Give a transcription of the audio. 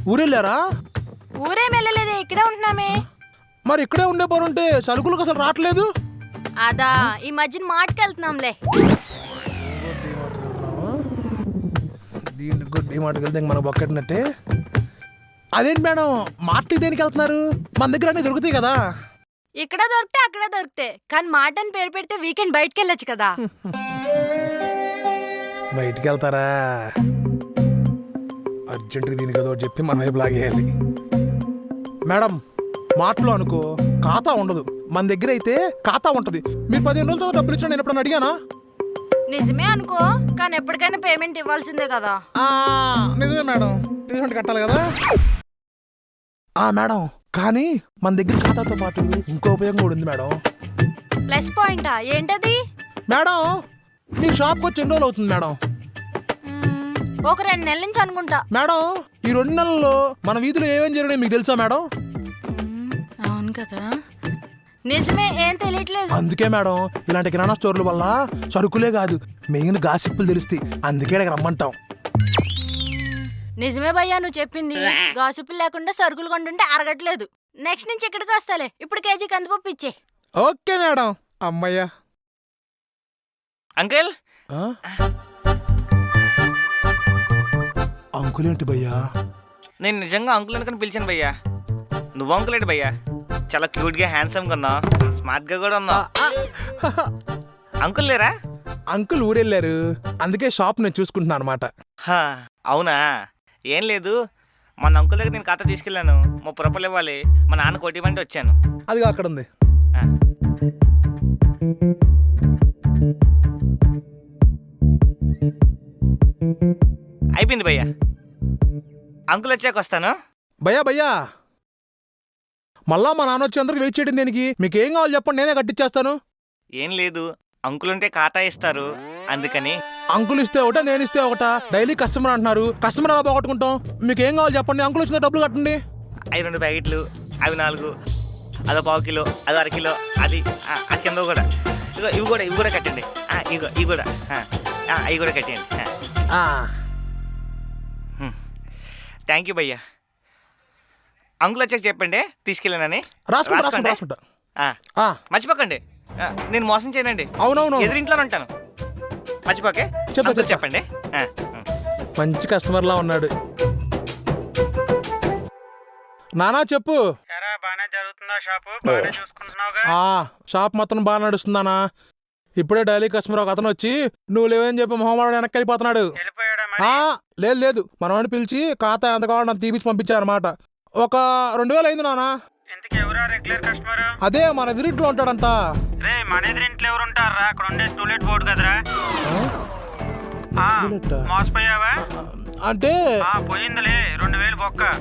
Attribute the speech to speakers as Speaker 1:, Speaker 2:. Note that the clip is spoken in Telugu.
Speaker 1: ఊరెళ్ళారా?
Speaker 2: ఊరేం వెళ్ళలేదే, ఇక్కడే ఉంటున్నామే.
Speaker 1: మరి ఇక్కడే ఉండే పనుంటే సరుకులకు అసలు రావట్లేదు.
Speaker 2: అదా ఈ మధ్యన మాటకెళ్తున్నాంలే.
Speaker 1: దీనికి కూడా డిమార్ట్కి వెళ్తే మనకు బొక్కటినట్టే. అదేంటి మేడం మార్ట్కి దేనికి వెళ్తున్నారు? మన దగ్గర అన్నీ దొరుకుతాయి కదా.
Speaker 2: ఇక్కడ దొరికితే అక్కడ దొరికితే, కానీ మాట అని పేరు పెడితే వీకెండ్ బయటకు వెళ్ళొచ్చు కదా.
Speaker 1: బయటికి వెళ్తారా? అర్జెంటుగా దీనికి ఏదో ఒకటి చెప్పి మన వైపు లాగేయాలి. మేడం మార్ట్లో అనుకో ఖాతా ఉండదు, మన దగ్గర అయితే ఖాతా ఉంటుంది. మీరు 15 రోజులతో డబ్బులు ఇచ్చిన నేను ఎప్పుడన్నా అడిగానా?
Speaker 2: నిజమే అనుకో, కానీ ఎప్పటికైనా పేమెంట్ ఇవ్వాల్సిందే కదా.
Speaker 1: నిజమే మేడం, పేమెంట్ కట్టాలి కదా. మేడం కానీ మన దగ్గర ఖాతాతో పాటు ఇంకో ఉపయోగం కూడా ఉంది మేడం.
Speaker 2: ప్లస్ పాయింటా? ఏంటది?
Speaker 1: మేడం మీ షాప్కి వచ్చి ఎన్ని రోజులు అవుతుంది మేడం?
Speaker 2: ఒక 2 నెలల నుంచి అనుకుంటా.
Speaker 1: మేడం ఈ 2 నెలల్లో మన వీధిలో ఏమేం జరిగినాయి మీకు తెలుసా మేడం?
Speaker 2: అవును కదా, నిజమే, ఏం తెలియట్లేదు.
Speaker 1: అందుకే మేడం ఇలాంటి కిరాణా స్టోర్ల వల్ల సరుకులే కాదు మెయిన్ గాసిప్పులు తెలుస్తాయి. అందుకే ఇక్కడ రమ్మంటాం.
Speaker 2: నిజమే భయ్యా నువ్వు చెప్పింది. గాసిప్పులు లేకుండా సరుకులు కొంటుంటే అరగట్లేదు. నెక్స్ట్ నుంచి ఇక్కడికి వస్తాలే. ఇప్పుడు కేజీ కందిపప్పు ఇచ్చే.
Speaker 1: Okay madam. అమ్మయ్యా.
Speaker 3: అంకుల్
Speaker 1: అంకుల్ ఏంటి భయ్యా?
Speaker 3: నేను నిజంగా అంకుల్ అనుకుని పిలిచాను భయ్యా. నువ్వు అంకుల్ ఏంటి భయ్యా? చాలా క్యూట్గా హ్యాండ్సమ్గా ఉన్నా, స్మార్ట్గా కూడా ఉన్నా. అంకుల్ లేరా?
Speaker 1: అంకుల్ ఊరెళ్ళారు, అందుకే షాప్ నేను చూసుకుంటున్నాను అనమాట.
Speaker 3: అవునా? ఏం లేదు, మన అంకుల్ దగ్గర నేను ఖాతా తీసుకెళ్ళాను. 30 రూపాయలు ఇవ్వాలి, మా నాన్న కొట్టిమంటే వచ్చాను.
Speaker 1: అదిగా అక్కడ ఉంది.
Speaker 3: అయిపోయింది భయ్యా. అంకుల్ వచ్చాక వస్తాను.
Speaker 1: భయ్యా భయ్యా మళ్ళా మా నాన్న వచ్చేందరికి వెయిట్ చేయడం దేనికి? మీకు ఏం కావాలి చెప్పండి, నేనే కట్టిచ్చేస్తాను.
Speaker 3: ఏం లేదు, అంకుల్ ఉంటే ఖాతా ఇస్తారు అందుకని.
Speaker 1: అంకుల్ ఇస్తే ఒకట, నేను ఇస్తే ఒకట. డైలీ కస్టమర్ అంటున్నారు, కస్టమర్ ఎలా పోగొట్టుకుంటాం? మీకు ఏం కావాలి చెప్పండి, అంకుల్ వచ్చిన డబ్బులు కట్టండి.
Speaker 3: అవి 2 ప్యాకెట్లు, అవి 4, అదో 1/2 కిలో, అదో 1/2 కిలో, అది ఆ కింద కూడా. ఇవి కూడా కట్టండి. ఇవి కూడా అవి కూడా కట్టండి. థ్యాంక్ యూ భయ్యా. అంకుల్ వచ్చాక చెప్పండి తీసుకెళ్ళానని.
Speaker 1: రాసుకుంటా.
Speaker 3: మర్చిపోకండి, నేను మోసం చేయనండి.
Speaker 1: అవునవును,
Speaker 3: ఎదురింట్లోనే ఉంటాను. మర్చిపోకే చెప్పండి.
Speaker 1: మంచి కస్టమర్లా ఉన్నాడు. నానా చెప్పు. షాప్ మొత్తం బాగా నడుస్తుందానా? ఇప్పుడే డైలీ కస్టమర్ ఒక అతను వచ్చి నువ్వు లేవని చెప్పి మొహమాడు వెనక్కి వెళ్ళిపోతున్నాడు. లేదు మనవాడిని పిలిచి ఖాతా ఎంత కావాలో అంత తీపిచ్చి పంపించారన్నమాట. ఒక 2000 అయింది నానా. అదే మన ఎదురింట్లో ఉంటాడంట.
Speaker 4: మన ఎదురింట్లో ఎవరు ఉంటారా? అక్కడ ఉండే టూలెట్ బోర్డు కదరా. మోసపోయావా?
Speaker 1: అంటే
Speaker 4: పోయిందిలే 2000 బొక్క.